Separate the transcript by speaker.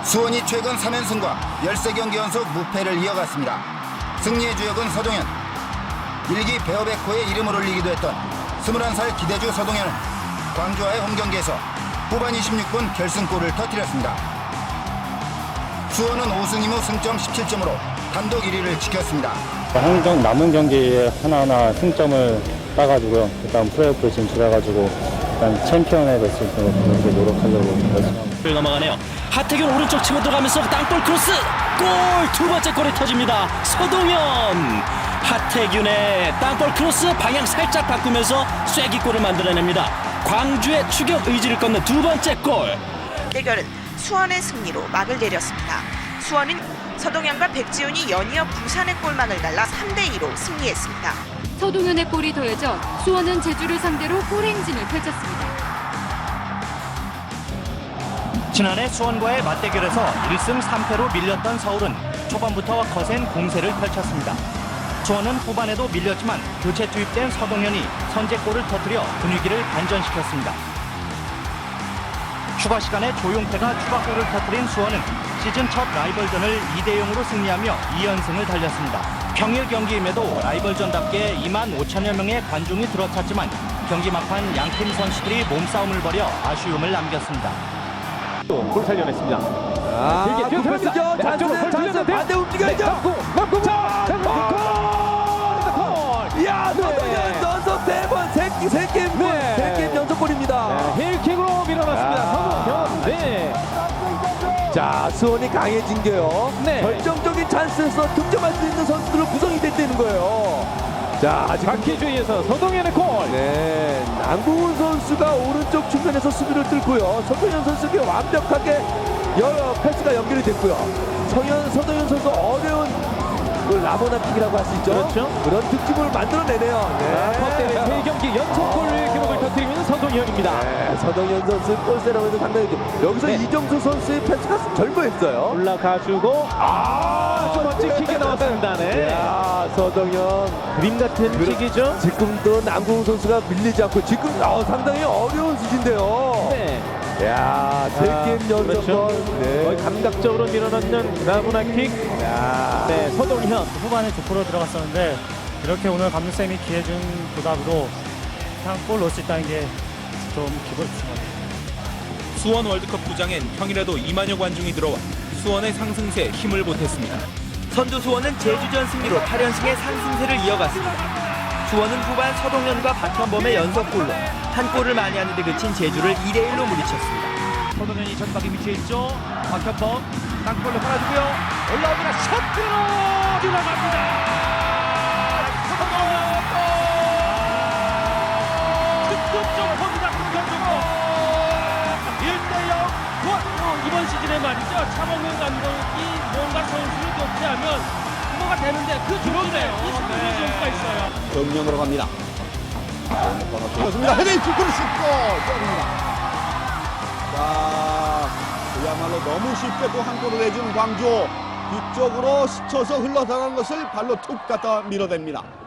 Speaker 1: 수원이 최근 3연승과 13경기 연속 무패를 이어갔습니다. 승리의 주역은 서동현. 일기 베어백호의 이름을 올리기도 했던 21살 기대주 서동현은 광주와의 홈경기에서 후반 26분 결승골을 터뜨렸습니다. 수원은 5승 2무 승점 17점으로 단독 1위를 지켰습니다.
Speaker 2: 남은 경기에 하나하나 승점을 따가지고요. 일단 플레이오프에 진출해가지고 일단 챔피언에 됐을 때 그렇게 노력하려고 했습니다.
Speaker 3: 넘어가네요. 하태균 오른쪽 치고 들어가면서 땅볼 크로스 골! 두 번째 골이 터집니다. 서동현! 하태균의 땅볼 크로스 방향 살짝 바꾸면서 쐐기골을 만들어냅니다. 광주의 추격 의지를 꺾는 두 번째 골.
Speaker 4: 대결은 수원의 승리로 막을 내렸습니다. 수원은 서동현과 백지훈이 연이어 부산의 골망을 날라 3대2로 승리했습니다.
Speaker 5: 서동현의 골이 더해져 수원은 제주를 상대로 골행진을 펼쳤습니다.
Speaker 3: 지난해 수원과의 맞대결에서 1승 3패로 밀렸던 서울은 초반부터 거센 공세를 펼쳤습니다. 수원은 후반에도 밀렸지만 교체 투입된 서동현이 선제골을 터뜨려 분위기를 반전시켰습니다. 추가 시간에 조용태가 추가골을 터뜨린 수원은 시즌 첫 라이벌전을 2대0으로 승리하며 2연승을 달렸습니다. 평일 경기임에도 라이벌전답게 2만 5천여 명의 관중이 들어찼지만 경기 막판 양팀 선수들이 몸싸움을 벌여 아쉬움을 남겼습니다.
Speaker 6: 골 살려냈습니다.
Speaker 7: 아, 굿패스죠. 찬스 반대 움직여야죠.
Speaker 6: 골!
Speaker 7: 이야, 서동현 연속 세 게임 연속골입니다.
Speaker 6: 힐킥으로 밀어넣습니다. 서동현. 네.
Speaker 7: 자, 수원이 강해진 게요.
Speaker 6: 네.
Speaker 7: 결정적인 찬스에서 득점할 수 있는 선수들로 구성이 됐다는 거예요. 자, 지금
Speaker 6: 박희주에서 서동현의 골.
Speaker 7: 네, 남궁훈 선수가 오른쪽 측면에서 수비를 뚫고요. 서동현 선수에게 완벽하게 패스가 연결이 됐고요. 서동현 선수 어려운 그 라보나 킥이라고 할 수 있죠.
Speaker 6: 그렇죠.
Speaker 7: 그런 득점을 만들어내네요. 네.
Speaker 6: 컵대회 3경기 연속골 기록을 터뜨리는 서동현입니다.
Speaker 7: 네, 서동현 선수 골세라면서 상당히 여기서
Speaker 6: 네.
Speaker 7: 이정수 선수의 패스가 절묘했어요.
Speaker 6: 올라가주고 좀 멋진 킥이 나왔습니다. 네.
Speaker 7: 야, 서동현
Speaker 6: 그림 같은 킥이죠.
Speaker 7: 지금도 남궁훈 선수가 밀리지 않고 지금 상당히 어려운 수준인데요.
Speaker 6: 네.
Speaker 7: 야, 세 게임 연속골.
Speaker 6: 그렇죠.
Speaker 7: 네.
Speaker 6: 거의 감각적으로 밀어넣는 라보나 킥.
Speaker 7: 야.
Speaker 6: 네, 서동현.
Speaker 2: 후반에 족보로 들어갔었는데 이렇게 오늘 감독쌤이 기회 준 보답으로 그냥 골 넣을 수 있다는 게 좀 기분 좋습니다.
Speaker 8: 수원 월드컵 구장엔 평일에도 2만여 관중이 들어와 수원의 상승세에 힘을 보탰습니다.
Speaker 9: 선두 수원은 제주전 승리로 8연승의 상승세를 이어갔습니다. 수원은 후반 서동현과 박현범의 연속골로 한 골을 많이 하는 데 그친 제주를 2대1로 물리쳤습니다.
Speaker 3: 서동현이 전방에 위치해 있죠. 박현범 땅볼로 깔아주고요. 올라옵니다. 셔트로 들어갑니다. 서동현 득점 포기가 끊겨주고 1대0. 이번 시즌에 말이죠. 차범근 감독이 뭔가 선수를 교체하면 그거가 되는데 그 조건이에요. 이 선수의 조건가 있어요.
Speaker 1: 정면으로 갑니다.
Speaker 10: 그렇습니다. 헤딩 킥으로 슛골 때립니다. 자, 그야말로 너무 쉽게 또 한 골을 내준 광주. 뒤쪽으로 스쳐서 흘러나가는 것을 발로 툭 갖다 밀어댑니다.